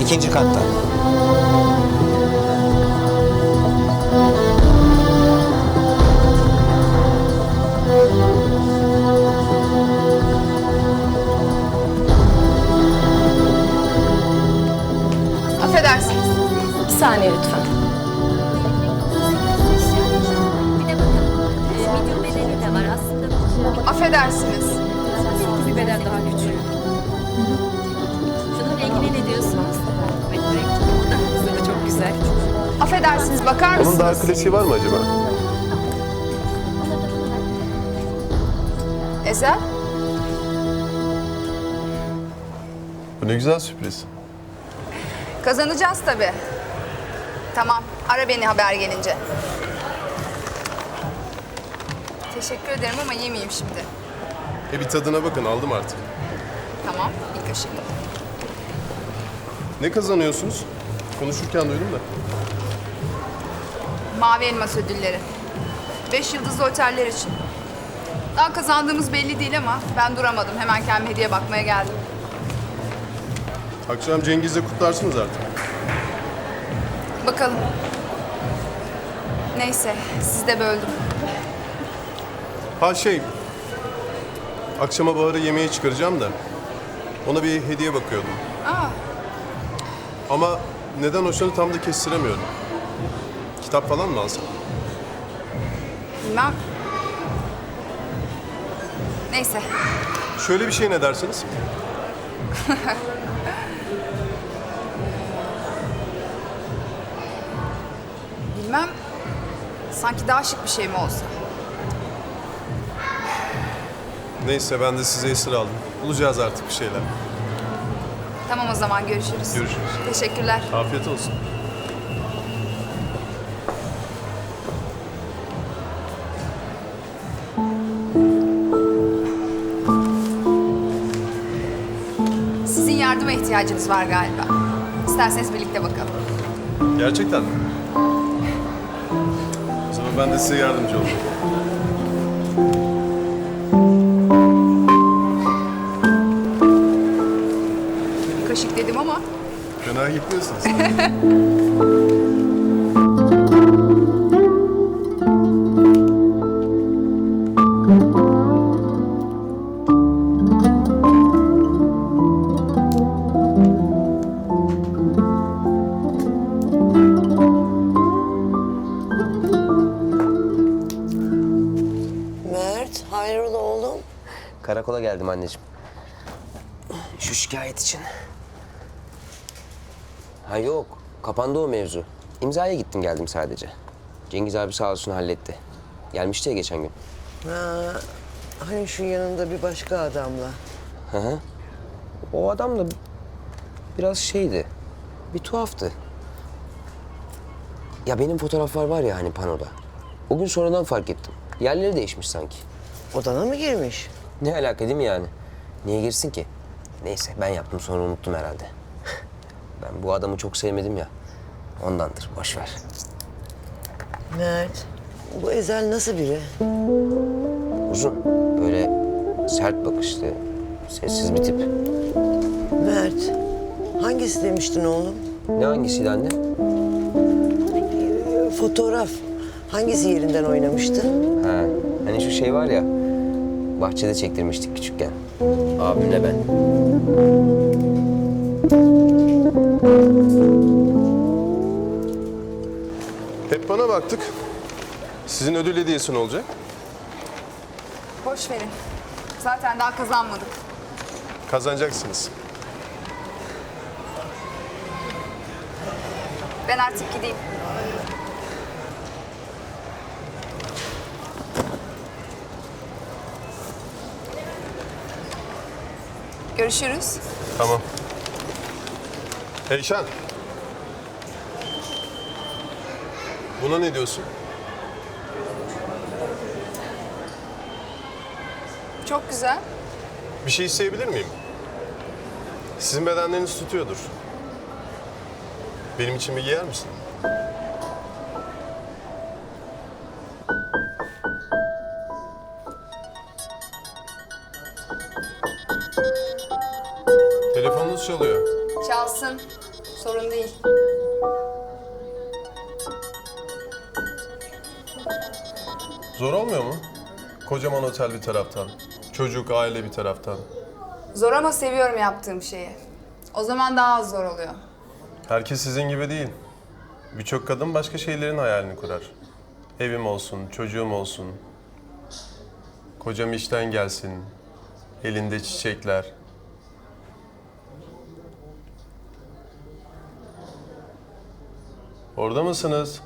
İkinci katta. Affedersiniz. Bir saniye lütfen. Bir de bakın medium bedeni de var aslında. Affedersiniz. Bir beden daha küçük. Şununla ilgili ne diyorsunuz? Evet, bu da aslında çok güzel. Affedersiniz, bakar Bunun daha mısınız? klasiği var mı acaba? Ezel? Bu ne güzel sürpriz. Kazanacağız tabii. Tamam, ara beni haber gelince. Teşekkür ederim ama yemeyeyim şimdi. Bir tadına bakın, aldım artık. Tamam, bir kaşık. Ne kazanıyorsunuz? Konuşurken duydum da. Mavi Elmas ödülleri. 5 yıldızlı oteller için. Daha kazandığımız belli değil ama ben duramadım. Hemen kendime hediye bakmaya geldim. Akşam Cengiz'le kutlarsınız artık. Bakalım. Neyse, sizi de böldüm. Ha akşama Bahar'ı yemeğe çıkaracağım da ona bir hediye bakıyordum. Aa, Ama neden hoşlanı tam da kestiremiyorum. Kitap falan mı alsam? bilmem. Neyse, Şöyle bir şey ne dersiniz? bilmem. Sanki daha şık bir şey mi olsa? Neyse ben de size esir aldım. Bulacağız artık bir şeyler. Tamam o zaman görüşürüz. Görüşürüz. Teşekkürler. Afiyet olsun. Sizin yardıma ihtiyacınız var galiba. İsterseniz birlikte bakalım. Gerçekten mi? O zaman ben de size yardımcı olayım. Kaşık dedim ama Fena gitmiyorsunuz. Mert, hayrola oğlum? Karakola geldim anneciğim. Şu şikayet için. Ha yok, kapandı o mevzu. İmzaya gittim geldim sadece. Cengiz abi sağ olsun halletti. Gelmişti ya geçen gün. Ha, hani şu yanında bir başka adamla. Hı hı. O adam da biraz şeydi, bir tuhaftı. Ya benim fotoğraflar var ya hani panoda. O gün sonradan fark ettim. Yerleri değişmiş sanki. Odana mı girmiş? Ne alaka değil mi yani? Niye girsin ki? Neyse ben yaptım sonra unuttum herhalde. Ben bu adamı çok sevmedim ya. Ondandır boş ver. Mert, bu Ezel nasıl biri? Uzun böyle sert bakışlı, sessiz bir tip. Mert, hangisi demiştin oğlum? Ne hangisiydi anne? Fotoğraf. Hangisi yerinden oynamıştı? Ha, hani şu şey var ya, bahçede çektirmiştik küçükken. Abimle ben. Hep bana baktık. Sizin ödül hediyesi ne olacak? boş verin. Zaten daha kazanmadık. Kazanacaksınız. Ben artık gideyim. Görüşürüz. Tamam. Eyşan. Buna ne diyorsun? Çok güzel. Bir şey isteyebilir miyim? Sizin bedenleriniz tutuyordur. Benim için bir giyer misin? Telefonunuz çalıyor. Çalsın. Sorun değil. Zor olmuyor mu? Kocaman otel bir taraftan, çocuk, aile bir taraftan. Zor ama seviyorum yaptığım şeyi. O zaman daha az zor oluyor. Herkes sizin gibi değil. Birçok kadın başka şeylerin hayalini kurar. Evim olsun, çocuğum olsun. Kocam işten gelsin. Elinde çiçekler. Orada mısınız?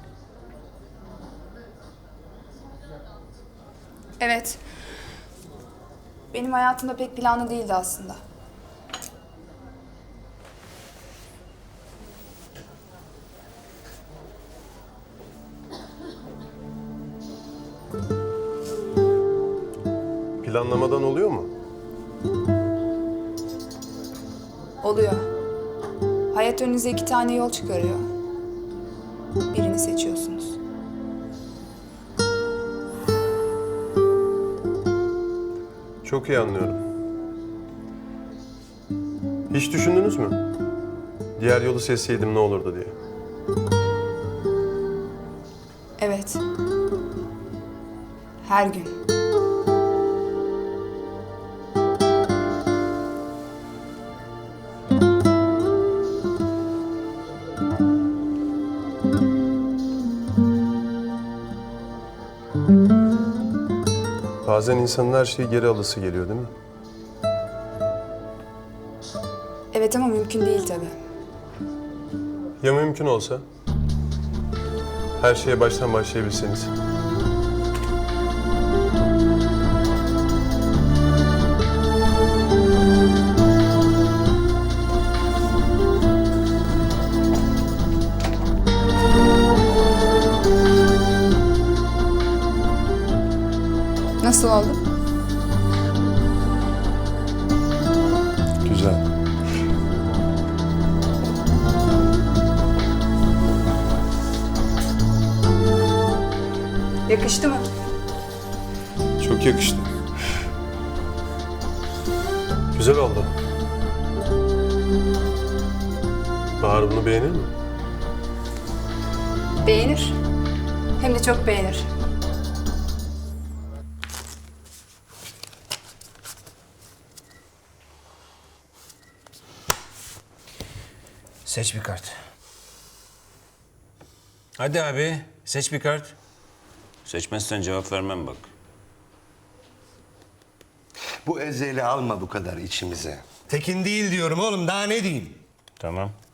Evet. Benim hayatımda pek planlı değildi aslında. Planlamadan oluyor mu? Oluyor. Hayat önünüze 2 tane yol çıkarıyor. Birini seçiyorsunuz. Çok iyi anlıyorum. Hiç düşündünüz mü? Diğer yolu seçseydim ne olurdu diye. Evet. Her gün. Bazen insanın her şeyi geri alısı geliyor değil mi? Evet ama mümkün değil tabii. Ya mümkün olsa? Her şeye baştan başlayabilseniz. Nasıl oldu? Güzel. Yakıştı mı? Çok yakıştı. Güzel oldu. Bahar bunu beğenir mi? Beğenir. Hem de çok beğenir. Seç bir kart. Hadi abi, seç bir kart. Seçmezsen cevap vermem bak. Bu ezeli alma bu kadar içimize. Tekin değil diyorum oğlum, daha ne diyeyim? Tamam.